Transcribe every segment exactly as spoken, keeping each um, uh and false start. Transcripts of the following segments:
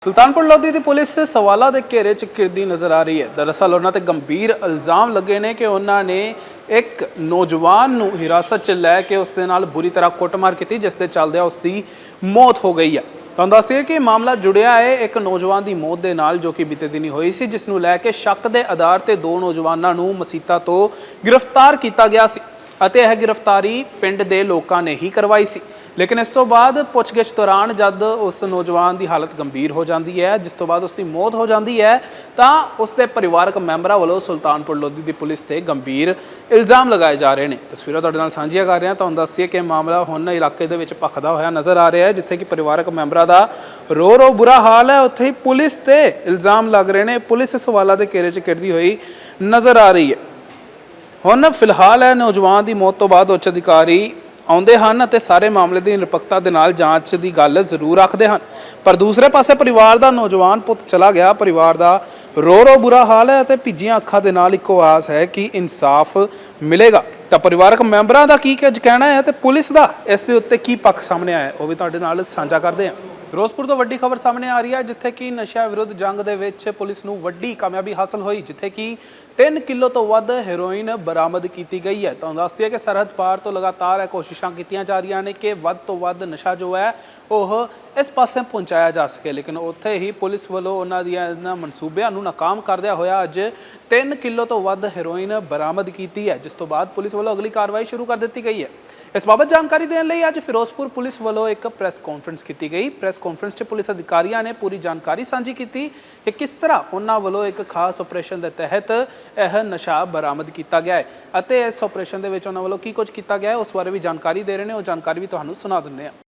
सुल्तानपुर लोधी की पुलिस सवालों के घेरे च घिरदी नज़र आ रही है। दरअसल उन्होंने गंभीर इल्ज़ाम लगे ने कि उन्होंने एक नौजवान नूं हिरासत च लैके उसके नाल बुरी तरह कुटमार की, जिसके चलदे उसकी मौत हो गई है। तो दसिए कि मामला जुड़िया है एक नौजवान की मौत के नाल, जो कि बीते दिन हुई सी, जिसनूं लैके शक के आधार पर दो नौजवानों नूं मसीता तो गिरफ्तार किया गया सी अते यह गिरफ्तारी पिंड के लोगों ने ही करवाई सी। लेकिन इस तो बाद पुछगिछ दौरान जब उस नौजवान की हालत गंभीर हो जाती है, जिस तो बाद उसकी मौत हो जाती है, तो उसके परिवारक मैंबरों वालों सुल्तानपुर लोधी की पुलिस से गंभीर इल्ज़ाम लगाए जा रहे हैं। तस्वीरां तुहाडे नाल साझीआं कर रहे हैं। तुहानूं दस्सीए कि मामला हुण इलाके दे विच भखदा होया नज़र आ रहा है, जिथे कि परिवारक मैंबरों का रो रो बुरा हाल है, उत्थे ही पुलिस ते इल्ज़ाम लग रहे हैं। पुलिस सवालों के घेरे च घिरदी हुई नज़र आ रही है। हुण फिलहाल है नौजवान की मौत तो बाद उच्च अधिकारी आउंदे हन ते सारे मामले की निरपक्षता दे नाल जांच की गल जरूर रखते हैं, पर दूसरे पासे परिवार का नौजवान पुत चला गया, परिवार का रो रो बुरा हाल है ते भीजियां अखां दे नाल इक्को आस है कि इंसाफ मिलेगा। तो परिवारक मैंबरों का की कुछ कहना है तो पुलिस का इस दे उत्ते की पक्ष सामने आया, वो भी तुहाडे नाल साझा करते हैं। फिरोजपुर तो वड्डी खबर सामने आ रही है, जिथे कि नशा विरुद्ध जंग दे विच पुलिस नूं वड्डी कामयाबी हासिल हुई, जिथे कि तीन किलो तो वध हेरोइन बरामद की गई है। तो दस दिए कि सरहद पार तो लगातार कोशिशां कीतियां जा रही ने कि वध तो वध नशा जो है वह इस पासे पहुँचाया जा सके, लेकिन उत्थे ही पुलिस वालों उन्हां दियां इन्हां मनसूबियां नूं नाकाम करदिया होया अज तीन किलो तो वध हेरोइन बरामद की है, जिस तो बाद पुलिस वालों अगली कार्रवाई शुरू कर दी गई है। इस बाबत जानकारी देने लई अज फिरोजपुर पुलिस वालों एक प्रेस कॉन्फ्रेंस की गई। प्रेस कॉन्फ्रेंस में पुलिस अधिकारियों ने पूरी जानकारी साझी की कि किस तरह उन्होंने वालों एक खास ऑपरेशन के तहत यह नशा बरामद किया गया है अते इस ऑपरेशन के उन्होंने वालों की कुछ किया गया है, उस बारे भी जानकारी दे रहे हैं। वो जानकारी भी तुहानूं सुना दिंदे हां।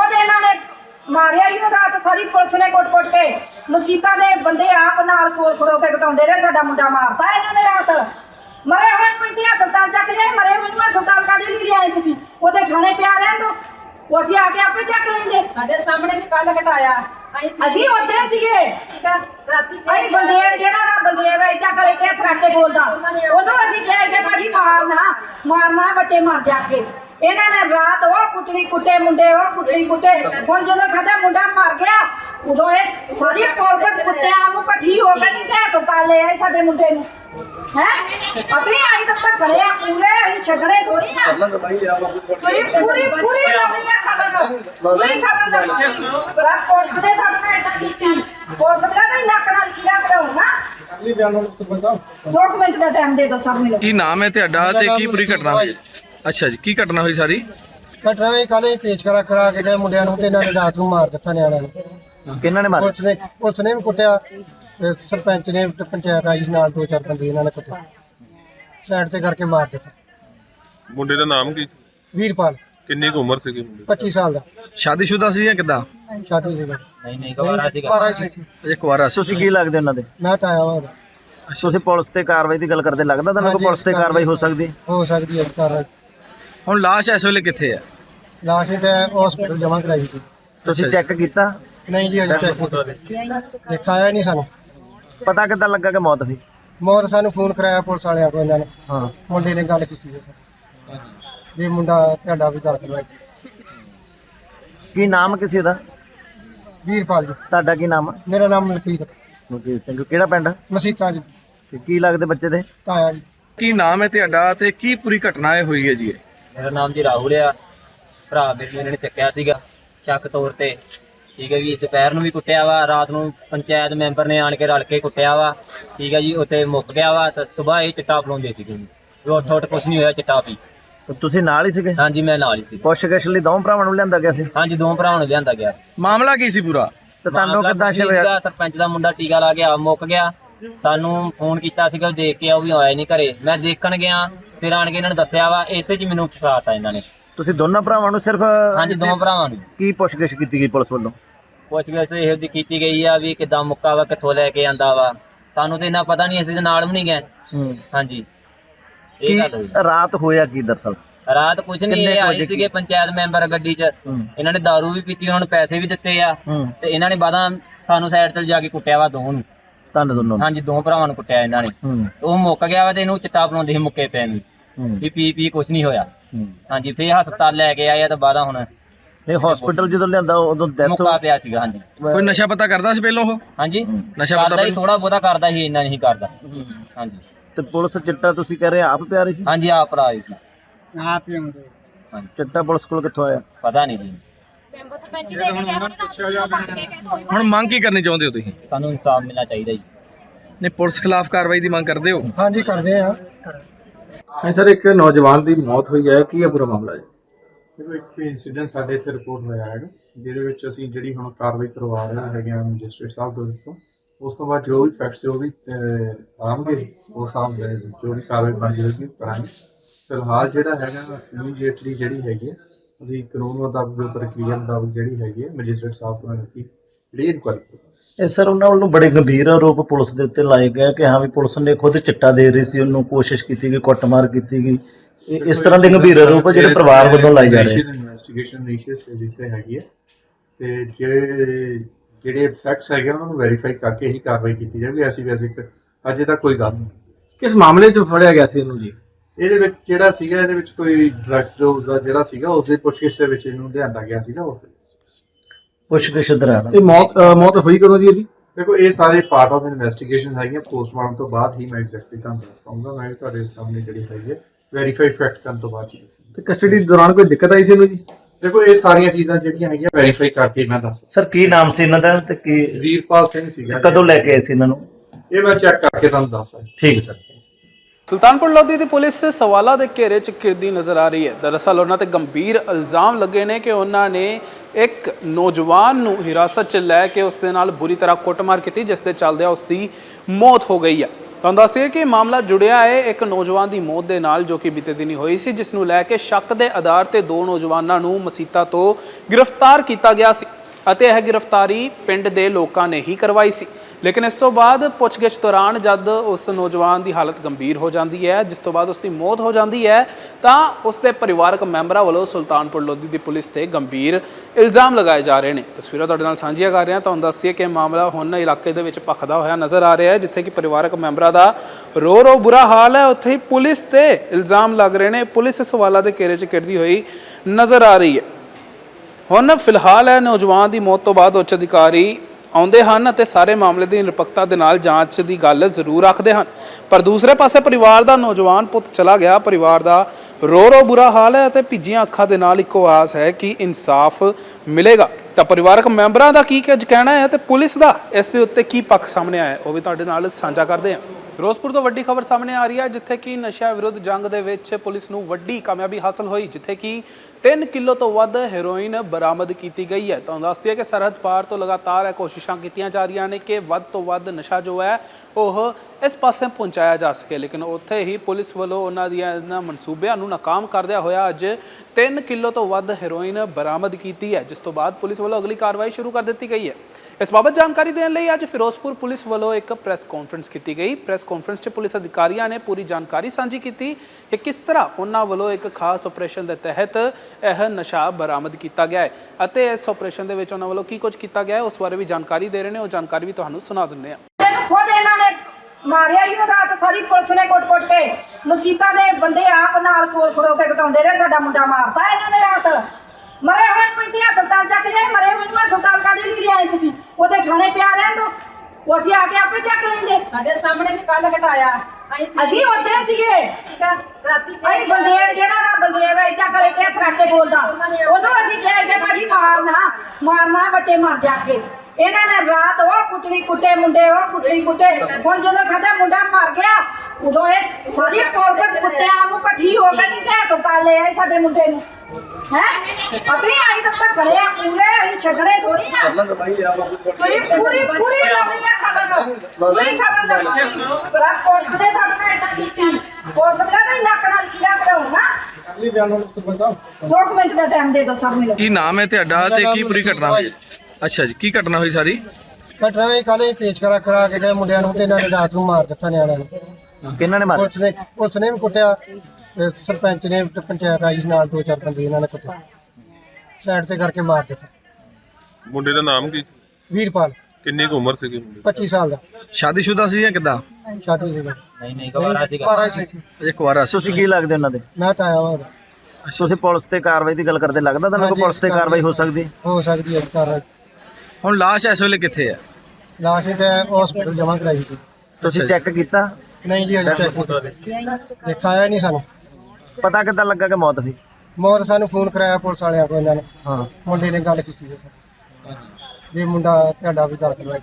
मारिया ही रात सारी पुलिस ने कुट कुट के मसीता दे बंदे आप नाल कोल खड़ो के घटाउंदे रहे, साडा मुंडा मारता इन्होंने रात मरे हुए नूं इत्थे हस्पताल चक लिया, मरे हुए नूं हस्पताल कादे लई लिआए तुसीं, उत्थे थाणे पिया रहन दो, वो असीं आके आपे चक लेंदे। साडे सामने भी कल घटाया ਅਸੀਂ ਉੱਥੇ ਸੀਗੇ, ਠੀਕ ਆ ਰਾਤੀ ਭਾਈ ਬੰਦੇਵ ਜਿਹੜਾ ਨਾ ਬੰਦੇਵ ਇਦਾਂ ਗਲੇ ਤੇ ਹੱਥ ਰੱਖ ਕੇ ਬੋਲਦਾ, ਉਹਨੂੰ ਅਸੀਂ ਕਿਹਾ ਕਿ ਭਾਜੀ ਮਾਰਨਾ ਮਾਰਨਾ ਬੱਚੇ ਮਰ ਜਾਣਗੇ। ਇਹਨਾਂ ਨੇ ਰਾਤ ਉਹ ਕੁੱਟਣੀ ਕੁੱਟੇ ਮੁੰਡੇ, ਉਹ ਕੁੱਟਣੀ ਕੁੱਟੇ। ਹੁਣ ਜਦੋਂ ਸਾਡਾ ਮੁੰਡਾ ਮਰ ਗਿਆ ਉਦੋਂ ਇਹ ਸਾਰੀ ਪੁਲਿਸ ਕੁੱਤਿਆਂ ਨੂੰ ਇਕੱਠੀ ਹੋ ਕੇ ਤੇ ਹਸਪਤਾਲ ਲੈ ਆਏ ਸਾਡੇ ਮੁੰਡੇ ਨੂੰ। ਹੈ ਅਸੀਂ ਆਈ ਤੱਕ ਤੱਕ ਗਲੇ ਆ ਪੂਰੇ, ਅਸੀਂ ਛੱਡਣੇ ਥੋੜੀ ਆ। ਤੁਸੀਂ ਪੂਰੀ ਪੂਰੀ ਲੰਮੀ ਖਬਰ ਪੂਰੀ ਖਬਰ ਲੱਗੀ ਪਰ ਪੁਲਿਸ ਦੇ ਸਾਡੇ ਨਾਲ ਇਦਾਂ ਕੀਤੀ, ਪੁਲਿਸ ਦਾ ਨਹੀਂ ਨੱਕ ਨਾਲ ਕੀੜਾ ਕਢਾਉਣਾ। ਦੋ ਕੁ ਮਿੰਟ ਦਾ ਟਾਈਮ ਦੇ ਦਿਓ ਸਭ ਮੈਨੂੰ। ਕੀ ਨਾਮ ਹੈ ਤੁਹਾਡਾ ਤੇ ਕੀ ਪੂਰੀ ਘਟਨਾ ਹੋਈ? ਅੱਛਾ ਜੀ, ਕੀ ਘਟਨਾ ਹੋਈ ਸਾਰੀ? ਘਟਨਾ ਇਹ ਕੱਲ੍ਹ ਪੇਚ ਕਰਾ ਕਰਾ ਕੇ ਗਏ ਮੁੰਡਿਆਂ ਨੂੰ ਤੇ ਇਹਨਾਂ ਨੇ ਰਾਤ ਨੂੰ ਮਾਰ ਦਿੱਤਾ ਨਿਆਣਿਆਂ ਨੂੰ। ਕਿਹਨਾਂ ਨੇ ਮਾਰਿਆ? ਪੁਲਿਸ ਨੇ ਪੁਲਿਸ ਨੇ ਵੀ ਕੁੱਟਿਆ, ਤੇ ਸਰਪੰਚ ਨੇ ਤੇ ਪੰਚਾਇਤ ਆਈ ਸੀ ਨਾਲ, ਦੋ ਚਾਰ ਬੰਦੇ ਇਹਨਾਂ ਨੇ ਕੁੱਟਿਆ, ਸਾਈਡ ਤੇ ਕਰਕੇ ਮਾਰ ਦਿੱਤਾ। ਮੁੰਡੇ ਦਾ ਨਾਮ ਕੀ? ਵੀਰਪਾਲ। ਕਿੰਨੀ ਕੁ ਉਮਰ ਸੀਗੀ ਮੁੰਡੇ ਦੀ? ਪੱਚੀ ਸਾਲ ਦਾ। ਸ਼ਾਦੀशुदा ਸੀ ਜਾਂ ਕਿੱਦਾਂ? ਸ਼ਾਦੀ ਸੀਗਾ। ਨਹੀਂ ਨਹੀਂ ਕੁਵਾਰਾ ਸੀਗਾ। ਕੁਆਰਾ ਸੀ। ਅਜੇ ਕੁਆਰਾ ਸੀ। ਤੁਸੀਂ ਕੀ ਲੱਗਦੇ ਉਹਨਾਂ ਦੇ? ਮੈਂ ਤਾਂ ਆਇਆ ਹਾਂ। ਤੁਸੀਂ ਪੁਲਿਸ ਤੇ ਕਾਰਵਾਈ ਦੀ ਗੱਲ ਕਰਦੇ, ਲੱਗਦਾ ਤੁਹਾਨੂੰ ਕੋਈ ਪੁਲਿਸ ਤੇ ਕਾਰਵਾਈ ਹੋ ਸਕਦੀ ਹੈ? ਹੋ ਸਕਦੀ ਹੈ ਕਾਰਵਾਈ। ਹੁਣ ਲਾਸ਼ ਇਸ ਵੇਲੇ ਕਿੱਥੇ ਹੈ? ਲਾਸ਼ ਤੇ ਹਸਪੀਟਲ ਜਮ੍ਹਾਂ ਕਰਾਈ ਸੀ। ਤੁਸੀਂ ਚੈੱਕ ਕੀਤਾ? ਨਹੀਂ ਜੀ, ਅਜੇ ਚੈੱਕ ਨਹੀਂ ਦਿਖਾਇਆ ਨਹੀਂ ਸਾਨੂੰ। ਪਤਾ ਕਿੱਦਾਂ ਲੱਗਾ ਕਿ ਮੌਤ ਹੋਈ? ਮੌਤ ਸਾਨੂੰ ਫੋਨ ਕਰਾਇਆ ਪੁਲਿਸ ਵਾਲਿਆਂ ਕੋਲ, ਇਹਨਾਂ ਨੇ ਹਾਂ ਮੁੰਡੇ ਨੇ ਗੱਲ ਕੀਤੀ ਵੀ ਮੁੰਡਾ ਤੁਹਾਡਾ ਵੀ ਦੱਸ ਦਿਓ। ਕੀ ਨਾਮ ਕਿਸੇ ਦਾ? ਵੀਰਪਾਲ ਜੀ। ਤੁਹਾਡਾ ਕੀ ਨਾਮ? ਮੇਰਾ ਨਾਮ ਮਲਕੀਤ ਮੁਕੇਸ਼ ਸਿੰਘ। ਕਿਹੜਾ ਪਿੰਡ? ਮਸੀਤਾ ਜੀ। ਤੇ ਕੀ ਲੱਗਦੇ ਬੱਚੇ ਦੇ? ਤਾਇਆ ਜੀ। ਕੀ ਨਾਮ ਹੈ ਤੁਹਾਡਾ ਤੇ ਕੀ ਪੂਰੀ ਘਟਨਾ ਇਹ ਹੋਈ ਹੈ ਜੀ? ਮੇਰਾ ਨਾਮ ਜੀ ਰਾਹੁਲ ਆ, ਭਰਾ ਮੇਰੇ ਨੂੰ ਇਹਨਾਂ ਨੇ ਚੱਕਿਆ ਸੀਗਾ ਸ਼ੱਕ ਤੌਰ ਤੇ, ਠੀਕ ਹੈ ਜੀ। ਦੁਪਹਿਰ ਨੂੰ ਵੀ ਕੁੱਟਿਆ ਵਾ, ਰਾਤ ਨੂੰ ਪੰਚਾਇਤ ਮੈਂਬਰ ਨੇ ਆਣ ਕੇ ਰਲ ਕੇ ਕੁੱਟਿਆ ਵਾ, ਠੀਕ ਹੈ ਜੀ। ਉੱਥੇ ਮੁੱਕ ਗਿਆ ਵਾ ਤਾਂ ਸਵੇਰ ਇਹ ਚਿੱਟਾ ਪਲਾਉਂਦੇ ਸੀਗੇ ਜੀ, ਉੱਠ ਉੱਠ ਕੁਛ ਨਹੀਂ ਹੋਇਆ, ਚਿੱਟਾ ਪੀ। ਤੁਸੀਂ ਨਾਲ ਹੀ ਸੀਗੇ? ਹਾਂਜੀ ਮੈਂ ਨਾਲ ਹੀ ਸੀ। ਪੁੱਛਗਿੱਛ ਲਈ ਦੋ ਭਰਾਵਾਂ ਨੂੰ ਲਿਆਂਦਾ ਗਿਆ ਸੀ? ਹਾਂਜੀ ਦੋ ਭਰਾਵਾਂ ਨੂੰ ਲਿਆਂਦਾ ਗਿਆ। ਮਾਮਲਾ ਕੀ ਸੀ ਪੂਰਾ? ਤੇ ਤੁਹਾਨੂੰ ਮਾਮਲਾ ਕਿੱਦਾਂ ਕੁਛ ਨਹੀਂ ਸ਼ਿਵ? ਸੀਗਾ, ਸਰਪੰਚ ਦਾ ਮੁੰਡਾ ਟੀਕਾ ਲਾ ਗਿਆ, ਮੁੱਕ ਗਿਆ। ਸਾਨੂੰ ਫੋਨ ਕੀਤਾ ਸੀਗਾ, ਉਹ ਦੇਖ ਕੇ ਉਹ ਵੀ ਆਇਆ ਨਹੀਂ ਘਰੇ। ਮੈਂ ਦੇਖਣ ਗਿਆ, ਫਿਰ ਆਣ ਕੇ ਇਹਨਾਂ ਨੇ ਦੱਸਿਆ ਵਾ, ਇਸੇ 'ਚ ਮੈਨੂੰ ਫਸਾਤਾ ਇਹਨਾਂ ਨੇ। ਤੁਸੀਂ ਦੋਨਾਂ ਭਰਾਵਾਂ ਨੂੰ ਸਿਰਫ? ਹਾਂਜੀ ਦੋ ਭਰਾਵਾਂ ਨੂੰ। ਕੀ ਪੁੱਛਗਿੱਛ ਕੀਤੀ ਗਈ ਪੁਲਿਸ ਵੱਲੋਂ? ਪੁੱਛਗਿੱਛ ਇਹੋ ਜਿਹੀ ਕੀਤੀ ਗਈ ਆ ਵੀ ਕਿੱਦਾਂ ਮੁੱਕਾ ਵਾ, ਕਿੱਥੋਂ ਲੈ ਕੇ ਆਂਦਾ ਵਾ, ਸਾਨੂੰ ਤੇ ਇੰਨਾ ਪਤਾ ਨਹੀਂ, ਅਸੀਂ ਤੇ ਨਾਲ ਵੀ ਨਹੀਂ ਗਏ। ਹੂੰ ਹਾਂਜੀ ਕੀ ਇਹ ਗੱਲ ਹੋਈ। ਰਾਤ ਹੋਇਆ ਕੀ ਦਰਅਸਲ? ਰਾਤ ਕੁਝ ਨਹੀਂ, ਇਹ ਆਏ ਸੀਗੇ ਪੰਚਾਇਤ ਮੈਂਬਰ ਗੱਡੀ 'ਚ, ਇਹਨਾਂ ਨੇ ਦਾਰੂ ਵੀ ਪੀਤੀ, ਉਹਨਾਂ ਨੂੰ ਪੈਸੇ ਵੀ ਦਿੱਤੇ ਆ, ਤੇ ਇਹਨਾਂ ਨੇ ਬਾਅਦਾਂ ਸਾਨੂੰ ਸਾਈਡ ਤੇ ਜਾ ਕੇ ਕੁੱਟਿਆ ਵਾ ਦੋਵਾਂ ਨੂੰ। ਤੁਹਾਨੂੰ ਦੋਨੋਂ? ਹਾਂਜੀ ਦੋ ਭਰਾਵਾਂ ਨੂੰ ਕੁੱਟਿਆ ਇਹਨਾਂ ਨੇ। ਉਹ ਮੁੱਕ ਗਿਆ ਵਾ ਤੇ ਇਹਨੂੰ ਚਿੱਟਾ ਪਲਾਉਂਦੇ ਸੀ ਮੁੱਕੇ ਪੈ ਨੂੰ, ਵੀ ਪੀ ਪੀ ਕੁਝ ਨਹੀਂ ਹੋਇਆ। ਹਾਂਜੀ ਫਿਰ ਹਸਪਤਾਲ ਲੈ ਕੇ ਆਏ ਆ ਤੇ ਬਾਅਦਾਂ ਹੁਣ ਇਹ ਹਸਪੀਟਲ ਜਦੋਂ ਲਿਆਂਦਾ ਉਦੋਂ ਡੈਥ ਮੁੱਕਾ ਪਿਆ ਸੀਗਾ। ਹਾਂਜੀ ਕੋਈ ਨਸ਼ਾ ਪਤਾ ਕਰਦਾ ਸੀ ਪਹਿਲਾਂ ਉਹ? ਹਾਂਜੀ ਨਸ਼ਾ ਪਤਾ ਕਰਦਾ ਹੀ, ਥੋੜਾ ਬਹੁਤਾ ਕਰਦਾ ਸੀ, ਇੰਨਾ ਨਹੀਂ ਕਰਦਾ। ਹਾਂਜੀ ਤੇ ਪੁਲਿਸ ਚਿੱਟਾ ਤੁਸੀਂ ਕਹਿ ਰਹੇ ਆਪ ਪਿਆ ਰਹੀ ਸੀ? ਹਾਂਜੀ ਆਪ ਭਰਾ ਆਏ ਸੀ। ਚਿੱਟਾ ਪੁਲਿਸ ਕੋਲ ਕਿੱਥੋਂ ਆਇਆ? ਪਤਾ ਨਹੀਂ ਜੀ। ਹੁਣ ਮੰਗ ਕੀ ਕਰਨੀ ਚਾਹੁੰਦੇ ਹੋ ਤੁਸੀਂ? ਸਾਨੂੰ ਇਨਸਾਫ ਮਿਲਣਾ ਚਾਹੀਦਾ ਜੀ। ਨਹੀਂ, ਪੁਲਿਸ ਖਿਲਾਫ ਕਾਰਵਾਈ ਦੀ ਮੰਗ ਕਰਦੇ ਹੋ? ਹਾਂਜੀ ਕਰਦੇ ਆ। ਹਾਂ ਸਰ, ਇੱਕ ਨੌਜਵਾਨ ਦੀ ਮੌਤ ਹੋਈ ਹੈ, ਕੀ ਹੈ ਪੂਰਾ ਮਾਮਲਾ ਜੀ? ਦੇਖੋ ਇੱਕ ਇਨਸੀਡੈਂਟ ਸਾਡੇ ਇੱਥੇ ਰਿਪੋਰਟ ਹੋਇਆ ਹੈਗਾ, ਜਿਹਦੇ ਵਿੱਚ ਅਸੀਂ ਜਿਹੜੀ ਹੁਣ ਕਾਰਵਾਈ ਕਰਵਾ ਰਹੇ ਹੈਗੇ ਆ ਮੈਜਿਸਟ੍ਰੇਟ ਸਾਹਿਬ ਦੇ ਵਿੱਚੋਂ। ਉਸ ਤੋਂ ਬਾਅਦ ਜੋ ਵੀ ਫੈਕਟਸ ਉਹ ਵੀ ਅਹ, ਆਉਣਗੇ ਉਸ ਹਿਸਾਬ ਦੇ ਜੋ ਵੀ ਕਾਰਵਾਈ ਬਣ ਜਾਏਗੀ ਕਰਾਂਗੇ। ਫਿਲਹਾਲ ਜਿਹੜਾ ਹੈਗਾ ਇਮੀਡੀਏਟਲੀ ਜਿਹੜੀ ਹੈਗੀ ਹੈ ਅਸੀਂ ਕਾਨੂੰਨ ਮੁਤਾਬਕ ਜੋ ਪ੍ਰਕਿਰਿਆ ਮੁਤਾਬਕ ਜਿਹੜੀ ਹੈਗੀ ਹੈ ਮੈਜਿਸਟ੍ਰੇਟ ਸਾਹਿਬ ਤੋਂ ਕੀ ਜਿਹੜੀ ਇਨਕੁਆਇਰੀ। ਇਹ ਸਰ ਉਹਨਾਂ ਵੱਲੋਂ ਬੜੇ ਗੰਭੀਰ ਆਰੋਪ ਪੁਲਿਸ ਦੇ ਉੱਤੇ ਲਾਏ ਗਏ ਕਿ ਹਾਂ ਵੀ ਪੁਲਿਸ ਨੇ ਖੁਦ ਚਿੱਟਾ ਦੇ ਰਹੀ ਸੀ, ਉਹਨੂੰ ਕੋਸ਼ਿਸ਼ ਕੀਤੀ ਗਈ, ਕੁੱਟਮਾਰ ਕੀਤੀ ਗਈ। ਇਹ ਇਸ ਤਰ੍ਹਾਂ ਦੇ ਗੰਭੀਰ ਆਰੋਪ ਜਿਹੜੇ ਪਰਿਵਾਰ ਵੱਲੋਂ ਲਾਏ ਜਾ ਰਹੇ। ਇਨਵੈਸਟੀਗੇਸ਼ਨ ਨੀਸ਼ੀਅਸ ਜਿੱਥੇ ਹੈਗੀ ਹੈ ਤੇ ਜਿਹੜੇ ਜਿਹੜੇ ਫੈਕਟਸ ਹੈਗੇ ਉਹਨਾਂ ਨੂੰ ਵੈਰੀਫਾਈ ਕਰਕੇ ਹੀ ਕਾਰਵਾਈ ਕੀਤੀ ਜਾਵੇਗੀ। ਐਸੀ ਵੈਸੇ ਅਜੇ ਤੱਕ ਕੋਈ ਗੱਲ ਨਹੀਂ। ਕਿਸ ਮਾਮਲੇ 'ਚ ਫੜਿਆ ਗਿਆ ਸੀ ਇਹਨੂੰ ਜੀ? ਇਹਦੇ ਵਿੱਚ ਜਿਹੜਾ ਸੀਗਾ ਇਹਦੇ ਵਿੱਚ ਕੋਈ ਡਰੱਗਸ ਡੋਜ਼ ਦਾ ਜਿਹੜਾ ਸੀਗਾ ਉਸ ਦੇ ਪੁੱਛਗਿੱਛ ਦੇ ਵਿੱਚ ਇਹਨੂੰ ਲਿਆਂਦਾ ਗਿਆ ਸੀਗਾ। ਉਸ ਪੁੱਛਗਿੱਛ ਦੌਰਾਨ ਇਹ ਮੌਤ ਮੌਤ ਹੋਈ ਕਦੋਂ ਜੀ ਇਹਦੀ? ਦੇਖੋ ਇਹ ਸਾਰੇ ਪਾਰਟ ਆਫ ਇਨਵੈਸਟੀਗੇਸ਼ਨ ਹੈਗੀਆਂ। ਪੋਸਟਮਾਰਟਮ ਤੋਂ ਬਾਅਦ ਹੀ ਮੈਂ ਐਗਜ਼ੈਕਟਲੀ ਤੁਹਾਨੂੰ ਦੱਸ ਪਾਉਂਗਾ। ਮੈਂ ਵੀ ਤੁਹਾਡੇ ਸਾਹਮਣੇ ਜਿਹੜੀ ਹੈਗੀ ਹੈ ਵੈਰੀਫਾਈ ਫੈਕਟ ਕਰਨ ਤੋਂ ਬਾਅਦ ਹੀ। ਤੇ ਕਸਟਡੀ ਦੌਰਾਨ ਕੋਈ ਦਿੱਕਤ ਆਈ ਸੀ ਇਹਨੂੰ ਜੀ? ਦੇਖੋ ਇਹ ਸਾਰੀਆਂ ਚੀਜ਼ਾਂ ਜਿਹੜੀਆਂ ਹੈਗੀਆਂ ਵੈਰੀਫਾਈ ਕਰਕੇ ਮੈਂ ਦੱਸ। ਸਰ ਕੀ ਨਾਮ ਸੀ ਇਹਨਾਂ ਦਾ ਤੇ ਕੀ ਵੀਰਪਾਲ ਸਿੰਘ ਸੀਗਾ। ਕਦੋਂ ਲੈ ਕੇ ਆਏ ਸੀ ਇਹਨਾਂ ਨੂੰ? ਇਹ ਮੈਂ ਚੈੱਕ ਕਰਕੇ ਤੁਹਾਨੂੰ ਦੱਸ ਸਕਦਾ। ਠੀਕ ਹੈ ਸਰ। ਸੁਲਤਾਨਪੁਰ ਲੋਧੀ ਦੀ ਪੁਲਿਸ ਸਵਾਲਾਂ ਦੇ ਘੇਰੇ 'ਚ ਘਿਰਦੀ ਨਜ਼ਰ ਆ ਰਹੀ ਹੈ। ਦਰਅਸਲ ਉਹਨਾਂ ਤੇ ਗੰਭੀਰ ਇਲਜ਼ਾਮ ਲੱਗੇ ਨੇ ਕਿ ਉਹਨਾਂ ਨੇ ਇੱਕ ਨੌਜਵਾਨ ਨੂੰ ਹਿਰਾਸਤ 'ਚ ਲੈ ਕੇ ਉਸ ਦੇ ਨਾਲ ਬੁਰੀ ਤਰ੍ਹਾਂ ਕੁੱਟਮਾਰ ਕੀਤੀ, ਜਿਸ ਦੇ ਚੱਲਦਿਆਂ ਉਸ ਦੀ ਮੌਤ ਹੋ ਗਈ ਹੈ। ਤੁਹਾਨੂੰ ਦੱਸੀਏ ਕਿ ਮਾਮਲਾ ਜੁੜਿਆ ਹੈ ਇੱਕ ਨੌਜਵਾਨ ਦੀ ਮੌਤ ਦੇ ਨਾਲ, ਜੋ ਕਿ ਬੀਤੇ ਦਿਨੀ ਹੋਈ ਸੀ, ਜਿਸ ਨੂੰ ਲੈ ਕੇ ਸ਼ੱਕ ਦੇ ਆਧਾਰ ਤੇ ਦੋ ਨੌਜਵਾਨਾਂ ਨੂੰ ਮਸੀਤਾ ਤੋਂ ਗ੍ਰਿਫਤਾਰ ਕੀਤਾ ਗਿਆ ਸੀ ਅਤੇ ਇਹ ਗ੍ਰਿਫਤਾਰੀ ਪਿੰਡ ਦੇ ਲੋਕਾਂ ਨੇ ਹੀ ਕਰਵਾਈ ਸੀ। ਲੇਕਿਨ ਇਸ ਤੋਂ ਬਾਅਦ ਪੁੱਛਗਿੱਛ ਦੌਰਾਨ ਜਦ ਉਸ ਨੌਜਵਾਨ ਦੀ ਹਾਲਤ ਗੰਭੀਰ ਹੋ ਜਾਂਦੀ ਹੈ, ਜਿਸ ਤੋਂ ਬਾਅਦ ਉਸ ਦੀ ਮੌਤ ਹੋ ਜਾਂਦੀ ਹੈ, ਤਾਂ ਉਸ ਦੇ ਪਰਿਵਾਰਕ ਮੈਂਬਰਾਂ ਵੱਲੋਂ ਸੁਲਤਾਨਪੁਰ ਲੋਧੀ ਦੀ ਪੁਲਿਸ ਤੇ ਗੰਭੀਰ ਇਲਜ਼ਾਮ ਲਗਾਏ ਜਾ ਰਹੇ ਨੇ। ਤਸਵੀਰਾਂ ਤੁਹਾਡੇ ਨਾਲ ਸਾਂਝੀਆਂ ਕਰ ਰਹੇ ਹਾਂ। ਤੁਹਾਨੂੰ ਦੱਸੀਏ ਕਿ ਮਾਮਲਾ ਹੁਣ ਇਲਾਕੇ ਦੇ ਵਿੱਚ ਭਖਦਾ ਹੋਇਆ ਨਜ਼ਰ ਆ ਰਿਹਾ ਹੈ, ਜਿੱਥੇ ਕਿ ਪਰਿਵਾਰਕ ਮੈਂਬਰਾਂ ਦਾ ਰੋ ਰੋ ਬੁਰਾ ਹਾਲ ਹੈ, ਉੱਥੇ ਹੀ ਪੁਲਿਸ ਤੇ ਇਲਜ਼ਾਮ ਲੱਗ ਰਹੇ ਨੇ। ਪੁਲਿਸ ਸਵਾਲਾਂ ਦੇ ਘੇਰੇ 'ਚ ਘਿਰਦੀ ਹੋਈ ਨਜ਼ਰ ਆ ਰਹੀ ਹੈ। ਹੁਣ ਫਿਲਹਾਲ ਇਹ ਨੌਜਵਾਨ ਦੀ ਮੌਤ ਤੋਂ ਬਾਅਦ ਉੱਚ ਅਧਿਕਾਰੀ ਆਉਂਦੇ ਹਨ ਅਤੇ ਸਾਰੇ ਮਾਮਲੇ ਦੀ ਨਿਰਪੱਖਤਾ ਦੇ ਨਾਲ ਜਾਂਚ ਦੀ ਗੱਲ ਜ਼ਰੂਰ ਰੱਖਦੇ ਹਨ। ਪਰ ਦੂਸਰੇ ਪਾਸੇ ਪਰਿਵਾਰ ਦਾ ਨੌਜਵਾਨ ਪੁੱਤ ਚਲਾ ਗਿਆ, ਪਰਿਵਾਰ ਦਾ ਰੋ ਰੋ ਬੁਰਾ ਹਾਲ ਹੈ ਅਤੇ ਭਿੱਜੀਆਂ ਅੱਖਾਂ ਦੇ ਨਾਲ ਇੱਕੋ ਆਸ ਹੈ ਕਿ ਇਨਸਾਫ ਮਿਲੇਗਾ। ਤਾਂ ਪਰਿਵਾਰਕ ਮੈਂਬਰਾਂ ਦਾ ਕੀ ਕੁਝ ਕਹਿਣਾ ਹੈ ਤੇ ਪੁਲਿਸ ਦਾ ਇਸ ਦੇ ਉੱਤੇ ਕੀ ਪੱਖ ਸਾਹਮਣੇ ਆਇਆ, ਉਹ ਵੀ ਤੁਹਾਡੇ ਨਾਲ ਸਾਂਝਾ ਕਰਦੇ ਹਾਂ। ਫਿਰੋਜ਼ਪੁਰ ਤੋਂ ਵੱਡੀ ਖਬਰ ਸਾਹਮਣੇ ਆ ਰਹੀ ਹੈ, ਜਿੱਥੇ ਕਿ ਨਸ਼ਾ ਵਿਰੁੱਧ ਜੰਗ ਦੇ ਵਿੱਚ ਪੁਲਿਸ ਨੂੰ ਵੱਡੀ ਕਾਮਯਾਬੀ ਹਾਸਲ ਹੋਈ, ਜਿੱਥੇ ਕਿ ਤਿੰਨ ਕਿਲੋ ਤੋਂ ਵੱਧ ਹੈਰੋਇਨ ਬਰਾਮਦ ਕੀਤੀ ਗਈ ਹੈ। ਤੁਹਾਨੂੰ ਦੱਸ ਦਈਏ ਕਿ ਸਰਹੱਦ ਪਾਰ ਤੋਂ ਲਗਾਤਾਰ ਇਹ ਕੋਸ਼ਿਸ਼ਾਂ ਕੀਤੀਆਂ ਜਾ ਰਹੀਆਂ ਨੇ ਕਿ ਵੱਧ ਤੋਂ ਵੱਧ ਨਸ਼ਾ ਜੋ ਹੈ ਉਹ ਇਸ ਪਾਸੇ ਪਹੁੰਚਾਇਆ ਜਾ ਸਕੇ, ਲੇਕਿਨ ਉੱਥੇ ਹੀ ਪੁਲਿਸ ਵੱਲੋਂ ਉਹਨਾਂ ਦੀਆਂ ਇਹਨਾਂ ਮਨਸੂਬਿਆਂ ਨੂੰ ਨਾਕਾਮ ਕਰਦਿਆਂ ਹੋਇਆ ਅੱਜ ਤਿੰਨ ਕਿਲੋ ਤੋਂ ਵੱਧ ਹੈਰੋਇਨ ਬਰਾਮਦ ਕੀਤੀ ਹੈ, ਜਿਸ ਤੋਂ ਬਾਅਦ ਪੁਲਿਸ ਵੱਲੋਂ ਅਗਲੀ ਕਾਰਵਾਈ ਸ਼ੁਰੂ ਕਰ ਦਿੱਤੀ ਗਈ ਹੈ। ਇਸ ਬਾਬਤ ਜਾਣਕਾਰੀ ਦੇਣ ਲਈ ਅੱਜ ਫਿਰੋਜ਼ਪੁਰ ਪੁਲਿਸ ਵੱਲੋਂ ਇੱਕ ਪ੍ਰੈਸ ਕਾਨਫਰੰਸ ਕੀਤੀ ਗਈ। ਪ੍ਰੈਸ ਕਾਨਫਰੰਸ 'ਚ ਪੁਲਿਸ ਅਧਿਕਾਰੀਆਂ ਨੇ ਪੂਰੀ ਜਾਣਕਾਰੀ ਸਾਂਝੀ ਕੀਤੀ ਕਿ ਕਿਸ ਤਰ੍ਹਾਂ ਉਹਨਾਂ ਵੱਲੋਂ ਇੱਕ ਖਾਸ ਆਪਰੇਸ਼ਨ ਦੇ ਤਹਿਤ ਇਹ ਨਸ਼ਾ ਬਰਾਮਦ ਕੀਤਾ ਗਿਆ ਹੈ ਅਤੇ ਇਸ ਆਪਰੇਸ਼ਨ ਦੇ ਵਿੱਚ ਉਹਨਾਂ ਵੱਲੋਂ ਕੀ ਕੁਝ ਕੀਤਾ ਗਿਆ ਹੈ, ਉਸ ਬਾਰੇ ਵੀ ਜਾਣਕਾਰੀ ਦੇ ਰਹੇ ਨੇ। ਉਹ ਜਾਣਕਾਰੀ ਵੀ ਤੁਹਾਨੂੰ ਸੁਣਾ ਦਿੰਦੇ ਹਾਂ। ਖੁਦ ਇਹਨਾਂ ਨੇ ਮਾਰਿਆ ਹੀ ਉਹ ਰਾਤ, ਸਾਰੀ ਪੁਲਿਸ ਨੇ ਕੁੱਟ-ਕੁੱਟ ਕੇ ਮਸੀਤਾਂ ਦੇ ਬੰਦੇ ਆਪ ਨਾਲ ਕੋਲ ਖੜੋ ਕੇ ਘਟਾਉਂਦੇ ਰਹੇ। ਸਾਡਾ ਮੁੰਡਾ ਮਾਰਤਾ ਇਹਨਾਂ ਨੇ ਰਾਤ। ਮਰੇ ਹੋਏ ਨੂੰ ਇੱਥੇ ਹਸਪਤਾਲ ਚੱਕ ਲਿਆਏ, ਮਰੇ ਹੋਏ ਨੂੰ ਹਸਪਤਾਲ ਕਾਹਦੇ ਲਈ ਲਿਆਏ ਤੁਸੀਂ? ਉਹਦੇ ਥਾਣੇ ਪਿਆ ਰਹਿਣ ਦੋ, ਉਹ ਅਸੀਂ ਆ ਕੇ ਆਪੇ ਚੱਕ ਲੈਂਦੇ। ਸਾਡੇ ਸਾਹਮਣੇ ਵੀ ਕੱਲ ਘਟਾਇਆ, ਅਸੀਂ ਉੱਥੇ ਸੀਗੇ। ਰਾਤੀ ਅਸੀਂ ਬੰਦੇਵ ਜਿਹੜਾ ਨਾ ਬੰਦੇਵ ਏਦਾਂ ਗਲੇ ਤੇ ਹੱਥ ਰੱਖ ਕੇ ਬੋਲਦਾ, ਉਹਨੂੰ ਅਸੀਂ ਕਿਹਾ ਕਿ ਭਾਜੀ ਮਾਰਨਾ ਮਾਰਨਾ ਬੱਚੇ ਮਰ ਜਾਣਗੇ। ਇਹਨਾਂ ਨੇ ਰਾਤ ਉਹ ਕੁੱਟਣੀ ਕੁੱਟੇ ਮੁੰਡੇ, ਉਹ ਕੁੱਟਣੀ ਕੁੱਟੇ। ਹੁਣ ਜਦੋਂ ਸਾਡਾ ਮੁੰਡਾ ਮਰ ਗਿਆ, ਉਦੋਂ ਇਹ ਸਾਰੀ ਪੁਲਿਸ ਕੁੱਤਿਆਂ ਨੂੰ ਇਕੱਠੀ ਹੋ ਕੇ ਤੇ ਹਸਪਤਾਲ ਲੈ ਆਏ ਸਾਡੇ ਮੁੰਡੇ ਨੂੰ। ਹੈ ਅਸੀਂ ਆਈ ਤੱਕ ਤੱਕ ਗਲੇ ਪੂਰੇ, ਅਸੀਂ ਛੱਡਣੇ ਥੋੜੀ ਆ। ਤੁਸੀਂ ਪੂਰੀ ਪੂਰੀ ਲਾਉਣੀ ਆ ਖਬਰ, ਪੂਰੀ ਖਬਰ ਲਾਉਣੀ। ਪਰ ਪੁਲਿਸ ਦੇ ਸਾਡੇ ਨਾਲ ਏਦਾਂ ਕੀਤੀ, ਪੁਲਿਸ ਦਾ ਤਾਂ ਨੱਕ ਨਾਲ ਕੀੜਾ ਕਢਾਉਣਾ। ਦੋ ਕੁ ਮਿੰਟ ਦਾ ਟਾਈਮ ਦੇ ਦਿਓ ਸਭ ਨੂੰ। ਕੀ ਨਾਮ ਹੈ ਤੁਹਾਡਾ ਤੇ ਕੀ ਪੂਰੀ ਘਟਨਾ ਹੋਈ? ਅੱਛਾ ਜੀ, ਕੀ ਘਟਨਾ ਹੋਈ ਸਾਰੀ? ਘਟਨਾ ਇਹ ਕੱਲ੍ਹ ਪੇਚ ਕਰਾ ਕਰਾ ਕੇ ਗਏ ਮੁੰਡਿਆਂ ਨੂੰ ਤੇ ਇਹਨਾਂ ਨੇ ਰਾਤ ਨੂੰ ਮਾਰ ਦਿੱਤਾ ਨਿਆਣਿਆਂ ਨੂੰ। ਕਿਹਨਾਂ ਨੇ ਮਾਰਿਆ? ਪੁਲਿਸ ਨੇ ਪੁਲਿਸ ਨੇ ਵੀ ਕੁੱਟਿਆ ਤੇ ਸਰਪੰਚ ਨੇ ਤੇ ਪੰਚਾਇਤ ਆਈ ਨਾਲ ਦੋ ਚਾਰ ਬੰਦੇ ਇਹਨਾਂ ਨੇ ਕੁੱਟਿਆ, ਸਾਈਡ ਤੇ ਕਰਕੇ ਮਾਰ ਦਿੱਤਾ। ਮੁੰਡੇ ਦਾ ਨਾਮ ਕੀ ਸੀ? ਵੀਰਪਾਲ, ਕਿੰਨੀ ਕੁ ਉਮਰ ਸੀਗੀ ਮੁੰਡੇ ਦੀ? ਪੱਚੀ ਸਾਲ ਦਾ, ਸ਼ਾਦੀशुदा ਸੀ ਜਾਂ ਕਿੱਦਾਂ? ਸ਼ਾਦੀ ਸੀਗਾ। ਨਹੀਂ ਨਹੀਂ ਗਵਾਰਾ ਸੀਗਾ। ਬਾਰਾਂ ਸੀ। ਅਜੇ ਕੁਆਰਾ ਸੀ। ਤੁਸੀਂ ਕੀ ਲੱਗਦੇ ਉਹਨਾਂ ਦੇ? ਮੈਂ ਤਾਂ ਆਇਆ ਵਾ ਉਹਦਾ। ਤੁਸੀਂ ਪੁਲਿਸ ਤੇ ਕਾਰਵਾਈ ਦੀ ਗੱਲ ਕਰਦੇ, ਲੱਗਦਾ ਤੁਹਾਨੂੰ ਕਿ ਹਾਂਜੀ, ਪੁਲਿਸ ਤੇ ਕਾਰਵਾਈ ਹੋ ਸਕਦੀ ਹੈ? ਹੋ ਸਕਦੀ ਹੈ ਕਾਰਵਾਈ। ਹੁਣ ਲਾਸ਼ ਇਸ ਵੇਲੇ ਕਿੱਥੇ ਹੈ? ਲਾਸ਼ ਤੇ ਹਸਪੀਟਲ ਜਮ੍ਹਾਂ ਕਰਾਈ ਸੀ। ਤੁਸੀਂ ਚੈੱਕ ਕੀਤਾ? ਨਹੀਂ ਜੀ ਅਜੇ ਚੈੱਕ ਨਹੀਂ ਦੇਖਾਇਆ ਨਹੀਂ ਸਾਨੂੰ। ਪਤਾ ਕਿੱਦਾਂ ਲੱਗਾ ਕਿ ਮੌਤ ਹੋਈ? ਮੌਤ ਸਾਨੂੰ ਫੋਨ ਕਰਾਇਆ ਪੁਲਿਸ ਵਾਲਿਆਂ ਕੋਲ, ਇਹਨਾਂ ਨੇ ਹਾਂ, ਮੁੰਡੇ ਨੇ ਗੱਲ ਕੀਤੀ ਹੈ ਵੀ ਮੁੰਡਾ ਤੁਹਾਡਾ ਵੀ ਦੱਸ ਦਿਓ।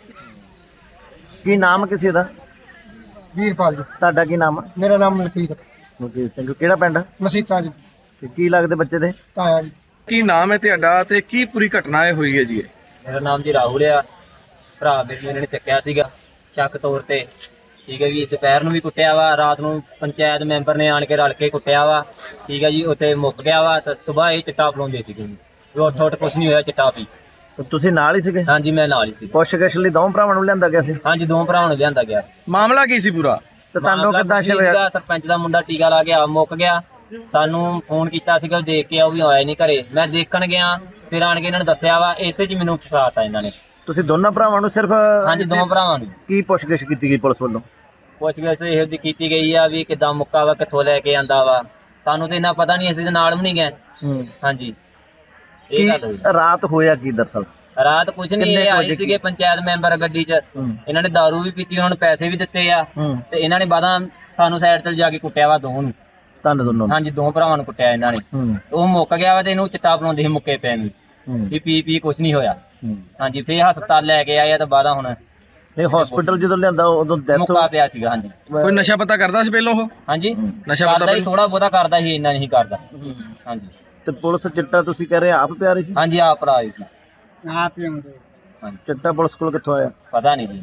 ਕੀ ਨਾਮ ਕਿਸੇ ਦਾ? ਵੀਰਪਾਲ ਜੀ। ਤੁਹਾਡਾ ਕੀ ਨਾਮ ਹੈ? ਮੇਰਾ ਨਾਮ ਮਲਕੀਤ ਮੁਕੇਸ਼ ਸਿੰਘ। ਕਿਹੜਾ ਪਿੰਡ? ਮਸੀਤਾਂ ਜੀ। ਤੇ ਕੀ ਲੱਗਦੇ ਬੱਚੇ ਦੇ? ਤਾਇਆ ਜੀ। ਕੀ ਨਾਮ ਹੈ ਤੁਹਾਡਾ ਤੇ ਕੀ ਪੂਰੀ ਘਟਨਾ ਇਹ ਹੋਈ ਹੈ ਜੀ? ਮੇਰਾ ਨਾਮ ਜੀ ਰਾਹੁਲ ਆ। ਭਰਾ ਮੇਰੇ ਨੂੰ ਇਹਨਾਂ ਨੇ ਚੱਕਿਆ ਸੀਗਾ ਸ਼ੱਕ ਤੌਰ ਤੇ, ਠੀਕ ਹੈ ਜੀ। ਦੁਪਹਿਰ ਨੂੰ ਵੀ ਕੁੱਟਿਆ ਵਾ, ਰਾਤ ਨੂੰ ਪੰਚਾਇਤ ਮੈਂਬਰ ਨੇ ਆਣ ਕੇ ਰਲ ਕੇ ਕੁੱਟਿਆ ਵਾ, ਠੀਕ ਹੈ ਜੀ। ਉੱਥੇ ਮੁੱਕ ਗਿਆ ਵਾ ਤਾਂ ਸਵੇਰ ਇਹ ਚਿੱਟਾ ਪਲਾਉਂਦੇ ਸੀਗੇ ਜੀ। ਉੱਠ ਉੱਠ ਕੁਛ ਨਹੀਂ ਹੋਇਆ, ਚਿੱਟਾ ਪੀ। ਤੇ ਤੁਸੀਂ ਨਾਲ ਹੀ ਸੀਗੇ? ਹਾਂਜੀ ਮੈਂ ਨਾਲ ਹੀ ਸੀ। ਪੁੱਛਗਿੱਛ ਲਈ ਦੋ ਭਰਾਵਾਂ ਨੂੰ ਲਿਆਂਦਾ ਗਿਆ ਸੀ? ਹਾਂਜੀ ਦੋ ਭਰਾਵਾਂ ਨੂੰ ਲਿਆਂਦਾ ਗਿਆ। ਮਾਮਲਾ ਕੀ ਸੀ ਪੂਰਾ? ਤੇ ਤੁਹਾਨੂੰ ਮਾਮਲਾ ਕਿੱਦਾਂ ਕੁਛ ਨਹੀਂ ਸ਼ਿਵ ਸੀਗਾ, ਸਰਪੰਚ ਦਾ ਮੁੰਡਾ ਟੀਕਾ ਲਾ ਗਿਆ, ਮੁੱਕ ਗਿਆ। ਸਾਨੂੰ ਫੋਨ ਕੀਤਾ ਸੀਗਾ, ਉਹ ਦੇਖ ਕੇ ਉਹ ਵੀ ਆਇਆ ਨਹੀਂ ਘਰੇ। ਮੈਂ ਦੇਖਣ ਗਿਆ, ਫਿਰ ਆਣ ਕੇ ਇਹਨਾਂ ਨੇ ਦੱਸਿਆ ਵਾ, ਇਸੇ 'ਚ ਮੈਨੂੰ ਫਸਾਤਾ ਇਹਨਾਂ ਨੇ। ਤੁਸੀਂ ਦੋਨਾਂ ਭਰਾਵਾਂ ਨੂੰ ਸਿਰਫ? ਹਾਂਜੀ ਦੋ ਭਰਾਵਾਂ ਨੂੰ। ਕੀ ਪੁੱਛਗਿੱਛ ਕੀਤੀ ਗਈ ਪੁਲਿਸ ਵੱਲੋਂ? ਪੁੱਛਗਿੱਛ ਇਹੋ ਜਿਹੀ ਕੀਤੀ ਗਈ ਆ ਵੀ ਕਿੱਦਾਂ ਮੁੱਕਾ ਵਾ, ਕਿੱਥੋਂ ਲੈ ਕੇ ਆਂਦਾ ਵਾ। ਸਾਨੂੰ ਤੇ ਇੰਨਾ ਪਤਾ ਨਹੀਂ, ਅਸੀਂ ਤੇ ਨਾਲ ਵੀ ਨਹੀਂ ਗਏ। ਹੂੰ। ਹਾਂਜੀ ਕੀ ਇਹ ਗੱਲ ਹੋਈ। ਰਾਤ ਹੋਇਆ ਕੀ ਦਰਸਲ? ਰਾਤ ਕੁਝ ਨਹੀਂ, ਕਿੰਨੇ ਇਹ ਕੁ ਆਏ ਵਜੇ ਸੀਗੇ ਪੰਚਾਇਤ ਮੈਂਬਰ ਗੱਡੀ 'ਚ। ਹੂੰ। ਇਹਨਾਂ ਨੇ ਦਾਰੂ ਵੀ ਪੀਤੀ, ਉਹਨਾਂ ਨੂੰ ਪੈਸੇ ਵੀ ਦਿੱਤੇ ਆ, ਹੂੰ। ਤੇ ਇਹਨਾਂ ਨੇ ਬਾਦਾਂ ਸਾਨੂੰ ਸਾਈਡ ਤੇ ਜਾ ਕੇ ਕੁੱਟਿਆ ਵਾ ਦੋਵਾਂ ਨੂੰ। ਤੁਹਾਨੂੰ ਦੋਨੋਂ? ਹਾਂਜੀ ਦੋ ਭਰਾਵਾਂ ਨੂੰ ਕੁੱਟਿਆ ਇਹਨਾਂ ਨੇ। ਹੂੰ। ਉਹ ਮੁੱਕ ਗਿਆ ਵਾ ਤੇ ਇਹਨੂੰ ਚਿੱਟਾ ਪਲਾਉਂਦੇ ਸੀ ਮੁੱਕੇ ਪੈ ਨੂੰ, ਹੂੰ। ਵੀ ਪੀ ਪੀ ਕੁਝ ਨਹੀਂ ਹੋਇਆ। ਹੂੰ। ਹਾਂਜੀ ਫੇਰ ਹਸਪਤਾਲ ਲੈ ਕੇ ਆਏ ਆ, ਤੇ ਬਾਦਾਂ ਹੁਣ ਨਹੀਂ ਹਸਪੀਟਲ ਜਦੋਂ ਲਿਆਂਦਾ ਉਦੋਂ ਡੈਥ ਮੁੱਕਾ ਪਿਆ ਸੀਗਾ। ਹਾਂਜੀ ਕੋਈ ਨਸ਼ਾ ਪਤਾ ਕਰਦਾ ਸੀ ਪਹਿਲਾਂ ਉਹ? ਹਾਂਜੀ ਨਸ਼ਾ ਪਤਾ ਕਰਦਾ ਹੀ, ਥੋੜਾ ਬਹੁਤਾ ਕਰਦਾ ਸੀ, ਇੰਨਾ ਨਹੀਂ ਕਰਦਾ। ਹਾਂਜੀ ਤੇ ਪੁਲਿਸ ਚਿੱਟਾ ਤੁਸੀਂ ਕਹਿ ਰਹੇ ਆਪ ਪਿਆ ਰਹੀ ਸੀ? ਹਾਂਜੀ ਆਪ ਭਰਾ ਆਏ ਸੀ। ਆਪ ਹੀ ਹੁੰਦੇ। ਚਿੱਟਾ ਪੁਲਿਸ ਕੋਲ ਕਿੱਥੋਂ ਆਇਆ? ਪਤਾ ਨਹੀਂ ਜੀ।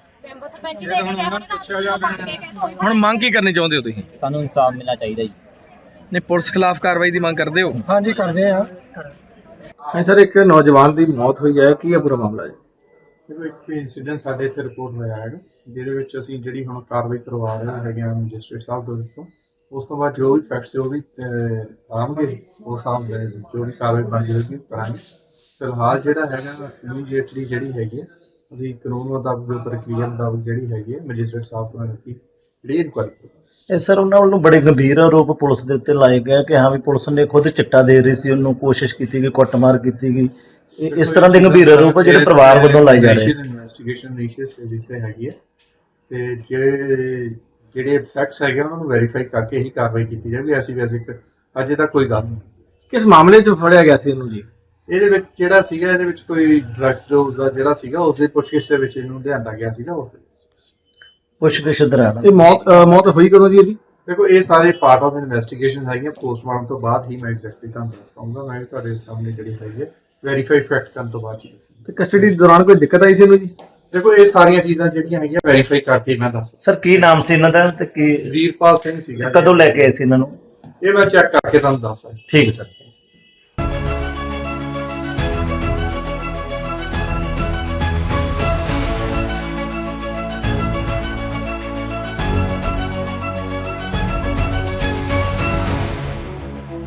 ਹੁਣ ਮੰਗ ਕੀ ਕਰਨੀ ਚਾਹੁੰਦੇ ਹੋ ਤੁਸੀਂ? ਸਾਨੂੰ ਇਨਸਾਫ ਮਿਲਣਾ ਚਾਹੀਦਾ ਜੀ। ਨਹੀਂ ਪੁਲਿਸ ਖਿਲਾਫ ਕਾਰਵਾਈ ਦੀ ਮੰਗ ਕਰਦੇ ਹੋ? ਹਾਂਜੀ ਕਰਦੇ ਆ। ਹਾਂ ਸਰ, ਇੱਕ ਨੌਜਵਾਨ ਦੀ ਮੌਤ ਹੋਈ ਹੈ, ਕੀ ਹੈ ਪੂਰਾ ਮਾਮਲਾ ਜੀ? ਦੇਖੋ ਇੱਕ ਇਨਸੀਡੈਂਟ ਸਾਡੇ ਇੱਥੇ ਰਿਪੋਰਟ ਹੋਇਆ ਹੈਗਾ, ਜਿਹਦੇ ਵਿੱਚ ਅਸੀਂ ਜਿਹੜੀ ਹੁਣ ਕਾਰਵਾਈ ਕਰਵਾ ਰਹੇ ਹੈਗੇ ਆ ਮੈਜਿਸਟਰੇਟ ਸਾਹਿਬ ਦੇ ਵਿੱਚੋਂ। ਉਸ ਤੋਂ ਬਾਅਦ ਜੋ ਵੀ ਫੈਕਟਸ ਉਹ ਵੀ ਅਹ, ਆਉਣਗੇ, ਉਸ ਹਿਸਾਬ ਦੇ ਜੋ ਵੀ ਕਾਰਵਾਈ ਬਣ ਜਾਏਗੀ ਕਰਾਂਗੇ। ਫਿਲਹਾਲ ਜਿਹੜਾ ਹੈਗਾ ਇਮੀਡੀਏਟਲੀ ਜਿਹੜੀ ਹੈਗੀ ਹੈ, ਅਸੀਂ ਕਾਨੂੰਨ ਮੁਤਾਬਕ ਜੋ ਪ੍ਰਕਿਰਿਆ ਮੁਤਾਬਕ ਜਿਹੜੀ ਹੈਗੀ ਹੈ ਮੈਜਿਸਟਰੇਟ ਸਾਹਿਬ ਤੋਂ ਰੱਖੀ ਜਿਹੜੀ ਇਨਕੁਆਇਰੀ। ਇਹ ਸਰ ਉਹਨਾਂ ਵੱਲੋਂ ਬੜੇ ਗੰਭੀਰ ਆਰੋਪ ਪੁਲਿਸ ਦੇ ਉੱਤੇ ਲਾਏ ਗਏ ਕਿ ਹਾਂ ਵੀ ਪੁਲਿਸ ਨੇ ਖੁਦ ਚਿੱਟਾ ਦੇ ਰਹੀ ਸੀ, ਉਹਨੂੰ ਕੋਸ਼ਿਸ਼ ਕੀਤੀ ਗਈ, ਕੁੱਟਮਾਰ ਕੀਤੀ ਗਈ। ਇਹ ਇਸ ਤਰ੍ਹਾਂ ਦੇ ਗੰਭੀਰ ਆਰੋਪ ਜਿਹੜੇ ਪਰਿਵਾਰ ਵੱਲੋਂ ਲਾਏ ਜਾ ਰਹੇ। ਇਨਵੈਸਟੀਗੇਸ਼ਨ ਇਨੀਸ਼ੀਅਸ ਜਿੱਥੇ ਹੈਗੀ ਹੈ, ਤੇ ਜੇ ਜਿਹੜੇ ਫੈਕਟਸ ਹੈਗੇ ਉਹਨਾਂ ਨੂੰ ਵੈਰੀਫਾਈ ਕਰਕੇ ਹੀ ਕਾਰਵਾਈ ਕੀਤੀ ਜਾਵੇ। ਐਸੀ ਵੈਸੇ ਅਜੇ ਤੱਕ ਕੋਈ ਗੱਲ ਨਹੀਂ। ਕਿਸ ਮਾਮਲੇ 'ਚ ਫੜਿਆ ਗਿਆ ਸੀ ਇਹਨੂੰ ਜੀ? ਇਹਦੇ ਵਿੱਚ ਜਿਹੜਾ ਸੀਗਾ, ਇਹਦੇ ਵਿੱਚ ਕੋਈ ਡਰੱਗਸ ਡੋਜ਼ ਦਾ ਜਿਹੜਾ ਸੀਗਾ, ਉਸ ਦੇ ਪੁੱਛਗਿੱਛ ਦੇ ਵਿੱਚ ਇਹਨੂੰ ਲਿਆਂਦਾ ਗਿਆ ਸੀਗਾ। ਉਸ ਦੇ ਪੁੱਛਗਿੱਛ ਦੌਰਾਨ ਇਹ ਮੌਤ ਮੌਤ ਹੋਈ ਕਦੋਂ ਜੀ ਇਹਦੀ? ਦੇਖੋ ਇਹ ਸਾਰੇ ਪਾਰਟ ਆਫ ਇਨਵੈਸਟੀਗੇਸ਼ਨ ਹੈਗੀਆਂ। ਪੋਸਟਮਾਰਟਮ ਤੋਂ ਬਾਅਦ ਹੀ ਮੈਂ ਐਗਜ਼ੈਕਟਲੀ ਤੁਹਾਨੂੰ ਦੱਸ ਪਾਉਂਗਾ। ਮੈਂ ਤੁਹਾਡੇ ਸਾਹਮਣੇ ਜਿਹੜੀ ਹੈਗੀ ਹੈ ਵੈਰੀਫਾਈ ਫੈਕਟ ਕਰਨ ਤੋਂ ਬਾਅਦ ਹੀ ਦੱਸਾਂਗਾ। ਤੇ ਕਸਟਡੀ ਦੌਰਾਨ ਕੋਈ ਦਿੱਕਤ ਆਈ ਸੀ ਇਹਨੂੰ ਜੀ? ਦੇਖੋ ਇਹ ਸਾਰੀਆਂ ਚੀਜ਼ਾਂ ਜਿਹੜੀਆਂ ਹੈਗੀਆਂ ਵੈਰੀਫਾਈ ਕਰਕੇ ਮੈਂ ਦੱਸ। ਸਰ ਕੀ ਨਾਮ ਸੀ ਇਹਨਾਂ ਦਾ ਤੇ ਕੀ ਵੀਰਪਾਲ ਸਿੰਘ ਸੀਗਾ। ਕਦੋਂ ਲੈ ਕੇ ਆਏ ਸੀ ਇਹਨਾਂ ਨੂੰ? ਇਹ ਮੈਂ ਚੈੱਕ ਕਰਕੇ ਤੁਹਾਨੂੰ ਦੱਸ ਸਕਦਾ। ਠੀਕ ਹੈ ਸਰ।